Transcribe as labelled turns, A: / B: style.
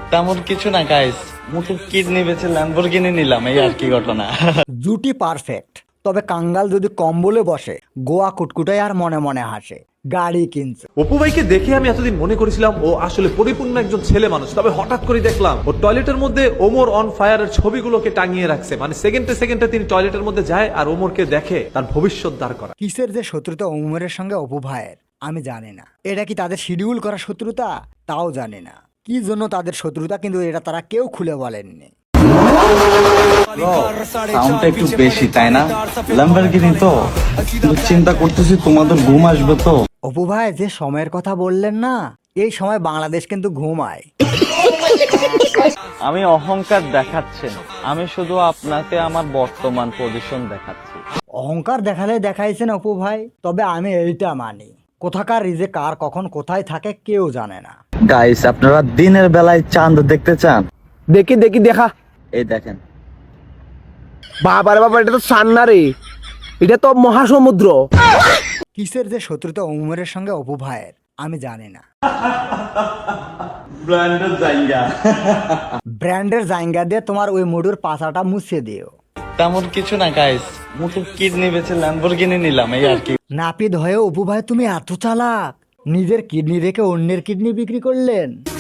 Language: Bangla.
A: তেমন কিছু না গাইস, মুটুর কিডনি বেচে ল্যাম্বরগিনি নিলাম, এই আর কি ঘটনা।
B: জুটি পারফেক্ট, তবে কাঙ্গাল যদি কম্বলে বসে গোয়া কুটকুটায় আর মনে মনে হাসে গাড়ি কিনছে।
C: অপু ভাইকে দেখে আমি এতদিন মনে করেছিলাম ও আসলে পরিপূর্ণ একজন ছেলে মানুষ, তবে হঠাৎ করে দেখলাম ও টয়লেটের মধ্যে ওমর অন ফায়ারের ছবিগুলোকে টাঙিয়ে রাখছে। মানে সেকেন্ডে সেকেন্ডে তিনি টয়লেটের মধ্যে যায় আর ওমরকে দেখে তার ভবিষ্যৎ দাঁড় করা।
B: কিসের যে শত্রুতা ওমরের সঙ্গে অপু ভাইয়ের আমি জানি না। এটা কি তাদের শিডিউল করা শত্রুতা তাও জানি না, কি জন্য তাদের শত্রুতা, কিন্তু এটা তারা কেউ খুলে বলেননি।
A: সাউন্ডটা একটু বেশি তাই না? ল্যাম্বরগিনি তো, কিন্তু চিন্তা করতেছি তোমাদের ঘুম আসবে তো।
B: অপু ভাই যে সময়ের কথা বললেন না, এই সময় বাংলাদেশ কিন্তু ঘুমায়।
A: আমি অহংকার দেখাচ্ছি না, আমি শুধু আপনাকে আমার বর্তমান পজিশন দেখাচ্ছি।
B: অহংকার দেখালে দেখাইছেন অপু ভাই, তবে আমি এইটা মানি, কোথাকার রিজে কার কখন কোথায় থাকে কেউ জানে না।
A: গাইস, আপনারা দিনের বেলায় চাঁদ দেখতে চান?
D: দেখি দেখি দেখা।
A: এই দেখেন।
D: বাবারে বাবা, এটা তো সান্না রে, এটা তো মহাসমুদ্র।
B: কিসের যে শত্রুতা ওমরের সঙ্গে অপু ভাইয়ের আমি জানি না। ব্র্যান্ডের জায়গা দিয়ে তোমার ওই মুডুর পাছাটা মুছে দিও।
A: তেমন কিছু না গাইস, মুটুর কিডনি বেচে ল্যাম্বরগিনি নিলাম, এই আর কি।
B: নাপিত হয়ে অপু ভাই তুমি এত চালাক, নিজের কিডনি রেখে অন্যের কিডনি বিক্রি করলেন।